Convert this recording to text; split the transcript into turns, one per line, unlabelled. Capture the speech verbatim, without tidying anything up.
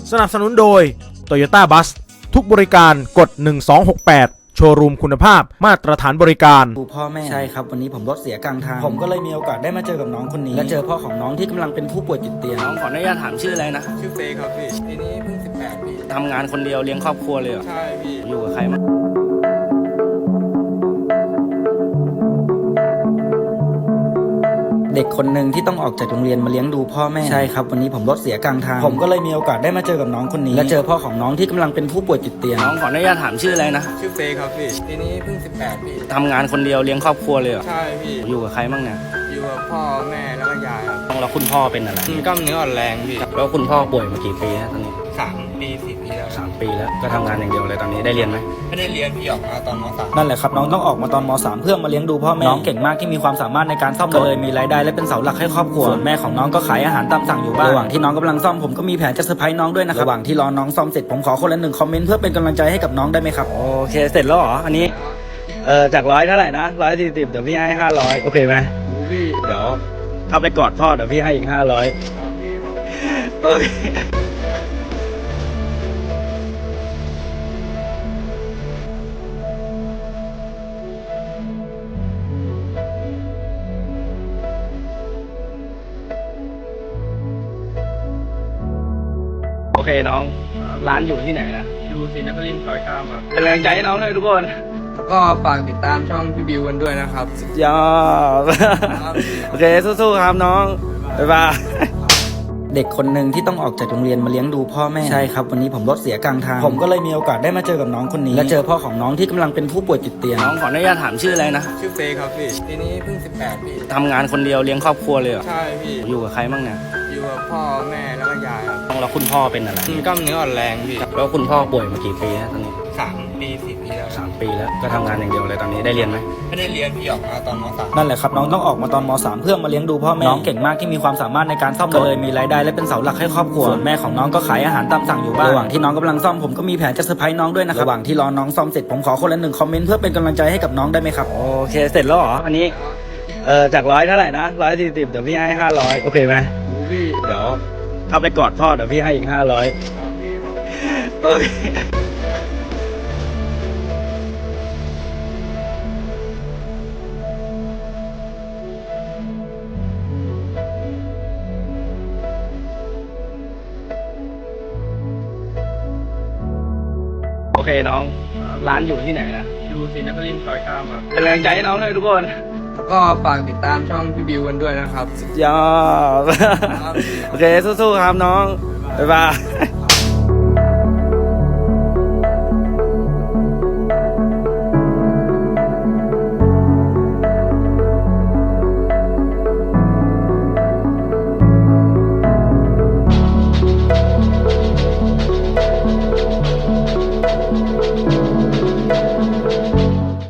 สนับสนุนโดย Toyota Bus ทุกบริการกดหนึ่งสองหกแปดโชว์รูมคุณภาพมาตรฐานบริการ
ดูพ่อแม่ใช่ครับวันนี้ผมรถเสียกลางทางผมก็เลยมีโอกาสได้มาเจอกับน้องคนนี้และเจอพ่อของน้องที่กำลังเป็นผู้ป่วยติดเตียง
น้องขออนุญาตถามชื่ออะไรนะ
ชื่อเฟย์ครับพี่ปีนี้เพิ่งสิบแปดปี
ทำงานคนเดียวเลี้ยงครอบครัวเลยเหรอ
ใช่พี่
อยู่กับใครมั้ง
เด็กคนหนึ่งที่ต้องออกจากโรงเรียนมาเลี้ยงดูพ่อแม่ใช่ครับวันนี้ผมรถเสียกลางทางผมก็เลยมีโอกาสได้มาเจอกับน้องคนนี้และเจอพ่อของน้องที่กำลังเป็นผู้ป่วยติดเตียง
น้องขออนุญาตถามชื่ออะไรนะ
ชื่อเฟย์ครับพี่ปีนี้เพิ่งสิบแปดปี
ทำงานคนเดียวเลี้ยงครอบครัวเลยเหรอ
ใช่พี่
อยู่กับใครบ้างเนี่ย
อยู่กับพ่อแม่แล้วก็ยายครับ
แล้วคุณพ่อเป็นอะไร
กล้ามเนื้ออ่อนแรงพี่
แล้วคุณพ่อป่วยมากี่ปีแล้วตอนนี้
สามปีสี่ปีแล้ว
สามปีแล้วก็ทำงานอย่างเดียวเลยตอนนี้ได้เรียนไหม
ไม่ได้เรียนพี่ออกมาตอนม.สาม
นั่นแหละครับน้องต้องออกมาตอนม.สาม เพื่อมาเลี้ยงดูพ่อแม่น้องเก่งมากที่มีความสามารถในการซ่อมรถเลยมีรายได้และเป็นเสาหลักให้ครอบครัวส่วนแม่ของน้องก็ขายอาหารตามสั่งอยู่บ้านระหว่างที่น้องกำลังซ่อมผมก็มีแผนจะเซอร์ไพรส์น้องด้วยนะครับระหว่างที่รอน้องซ่อมเสร็จผมขอคนละหนึ่งคอมเมนต์เพื่อเป็นกำลังใจให้กับน้องได้ไหมครับ
โอเคเสร็จแล้วเหรออันนี้เออจากร้อยเท่าไหร่นะร้อยสี่สิบเดี๋ยวพี่ให้ห้าร้อยโอเคไหม
พี่
เดี๋ยวเข้าไปกอดพ่อเดี๋ยวพี่ให้อีกห้าร้อยโอเคโอเคน้องร้านอยู่ที่ไหนนะ
อยู่ศรีนครินทร์ซอยเก้าครับ
เป็นแรงใจให้น้องเลยทุกคน
ก็ฝากติดตามช่องพี่บิวกันด้วยนะครับ
ยอดโอเคสู้ๆครับน้องบ๊ายบาย
เด็กคนหนึ่งที่ต้องออกจากโรงเรียนมาเลี้ยงดูพ่อแม่ใช่ครับวันนี้ผมรถเสียกลางทางผมก็เลยมีโอกาสได้มาเจอกับน้องคนนี้และเจอพ่อของน้องที่กำลังเป็นผู้ป่วยติดเตียง
น้องขออนุญาตถามชื่ออะไรนะ
ชื่อเฟย์ครับพี่ปีนี้เพิ่งสิบแปดปี
ทำงานคนเดียวเลี้ยงครอบครัวเลยเหรอ
ใช่พี่
อยู่กับใครบ้างเนี่ย
อยู่กับพ่อแม่แล้วก็ยายครับ
แล้วคุณพ่อเป็นอะไร
กล้ามเนื้ออ่อนแรงพี่
แล้วคุณพ่อป่วยมากี่ปีแล้วตอนนี้
สามปีสี่ปีแล้ว
สามปีแล้วก็ทำงานอย่างเดียวเลยตอนนี้ได้เรียนไหม
ไม่ได้เรียนพี่ออกมาตอนม.สาม
นั่นแหละครับน้องต้องออกมาตอนม.สาม เพื่อมาเลี้ยงดูพ่อแม่น้องเก่งมากที่มีความสามารถในการซ่อมรถเลยมีรายได้และเป็นเสาหลักให้ครอบครัวส่วนแม่ของน้องก็ขายอาหารตามสั่งอยู่บ้านระหว่างที่น้องกำลังซ่อมผมก็มีแผนจะเซอร์ไพรส์น้องด้วยนะครับระหว่างที่รอน้องซ่อมเสร็จผมขอคนละหนึ่งคอมเมนต์เพื่อเป็นกำลังใจให้กับน้องได้ไหมครับ
โอเคเสร็จแล้วเหรออันนี้เออจากร้อยเท่าไหร่นะร้อยสี่สิบเดี๋ยวพี่ให้ห้าร้อยโอเคไหม
พี่
เดี๋ยวเข้าไปกอดพ่อเดี๋ยวพี่ให้อีกห้าร้อยโอเคโอเคน้องร้านอยู่ที่ไหนนะ
อยู่ศรีนครินทร์ซอยเก้าครับ
เป็นแรงใจให้น้องเลยทุกคน
ก็ฝากติดตามช่องพี่บิวกันด้วยนะครับ
ยอดโอเคสู้ๆครับน้องบ๊ายบาย